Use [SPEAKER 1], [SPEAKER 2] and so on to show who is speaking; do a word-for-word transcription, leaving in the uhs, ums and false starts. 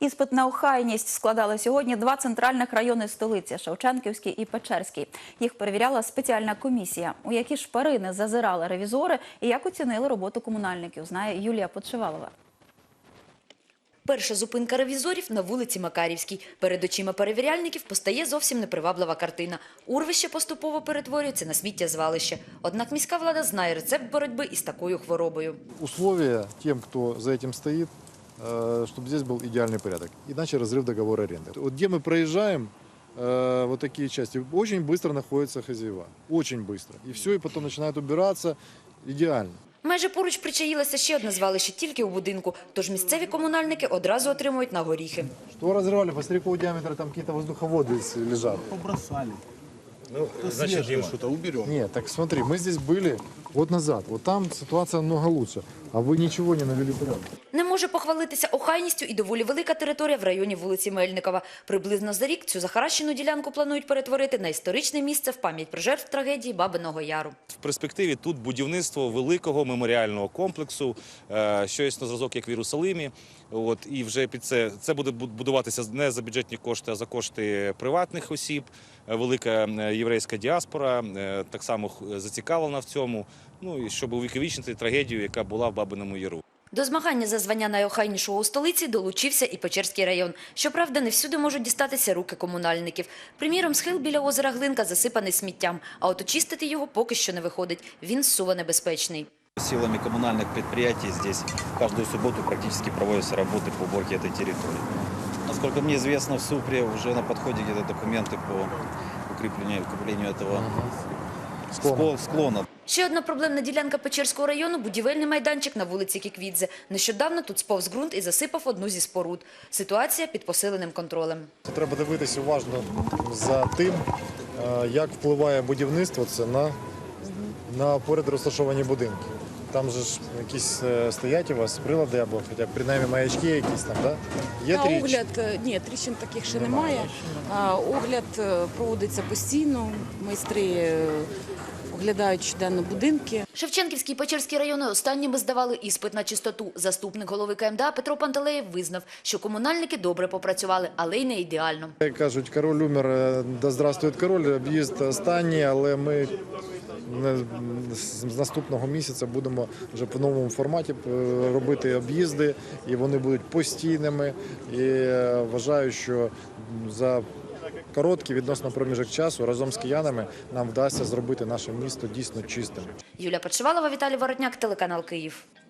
[SPEAKER 1] Іспит на охайність складали сьогодні два центральних райони столиці – Шевченківський і Печерський. Їх перевіряла спеціальна комісія. У які шпарини зазирали ревізори і як оцінили роботу комунальників, знає Юлія Подшивалова.
[SPEAKER 2] Перша зупинка ревізорів на вулиці Макарівській. Перед очима перевіряльників постає зовсім неприваблива картина. Урвище поступово перетворюється на сміттєзвалище. Однак міська влада знає рецепт боротьби із такою хворобою.
[SPEAKER 3] Условия тем, кто за этим стоит, чтобы здесь был идеальный порядок. Иначе разрыв договора аренды. Вот где мы проезжаем, вот такие части, очень быстро находятся хозяева. Очень быстро. И все, и потом начинают убираться. Идеально.
[SPEAKER 2] Майже поруч причаїлося ще одне звалище тільки у будинку, тож місцеві комунальники одразу отримують на горіхи.
[SPEAKER 3] Что разрывали? Посмотри, какого диаметра там какие-то воздуховоды лежат.
[SPEAKER 4] Побросали.
[SPEAKER 5] Ну, значит, Дима,
[SPEAKER 4] что-то уберем.
[SPEAKER 3] Нет, так смотри, мы здесь были год назад. Вот там ситуация намного лучше. А вы ничего не навели порядок.
[SPEAKER 2] Не може похвалитися охайністю і доволі велика територія в районі вулиці Мельникова. Приблизно за рік цю захаращену ділянку планують перетворити на історичне місце в пам'ять про жертв трагедії Бабиного Яру.
[SPEAKER 5] в перспективі тут будівництво великого меморіального комплексу, щось на зразок, як в Єрусалимі. От, і вже під це, це буде будуватися не за бюджетні кошти, а за кошти приватних осіб. Велика єврейська діаспора так само зацікавлена в цьому, ну, і щоб увіковічнити трагедію, яка була в Бабиному Яру.
[SPEAKER 2] До змагання за звання найохайнішого у столиці долучився і Печерський район. Щоправда, не всюди можуть дістатися руки комунальників. Приміром, схил біля озера Глинка засипаний сміттям, а от очистити його поки що не виходить. Він суво небезпечний.
[SPEAKER 6] Силами коммунальных предприятий здесь каждую субботу практически проводятся работы по уборке этой территории. Насколько мне известно, в СУПРе уже на подходе где-то документы по укреплению, укреплению этого
[SPEAKER 3] Склона.
[SPEAKER 6] склона.
[SPEAKER 2] Ще одна проблемна ділянка Печерського району – будівельний майданчик на вулиці Кіквідзе. Нещодавно тут сповз ґрунт і засипав одну зі споруд. Ситуація під посиленим контролем.
[SPEAKER 3] Треба дивитися уважно за тим, як впливає будівництво це на, на поряд розташовані будинки. Там же ж якісь стоять у вас прилади або хоча б принаймні маячки якісь там, да? Є
[SPEAKER 7] На
[SPEAKER 3] тріч?
[SPEAKER 7] огляд, ні, тріщин таких ще немає. А, огляд проводиться постійно, майстри оглядають щоденно будинки.
[SPEAKER 2] Шевченківський і Печерський райони останніми здавали іспит на чистоту. Заступник голови КМДА Петро Пантелеєв визнав, що комунальники добре попрацювали, але й не ідеально.
[SPEAKER 3] Як кажуть, король умер, да здравствует король, об'їзд останній, але ми з наступного місяця будемо вже по новому форматі робити об'їзди, і вони будуть постійними. І вважаю, що за короткий відносно проміжок часу разом з киянами нам вдасться зробити наше місто дійсно чистим.
[SPEAKER 2] Юлія Подшивалова, Віталій Воротняк, телеканал Київ.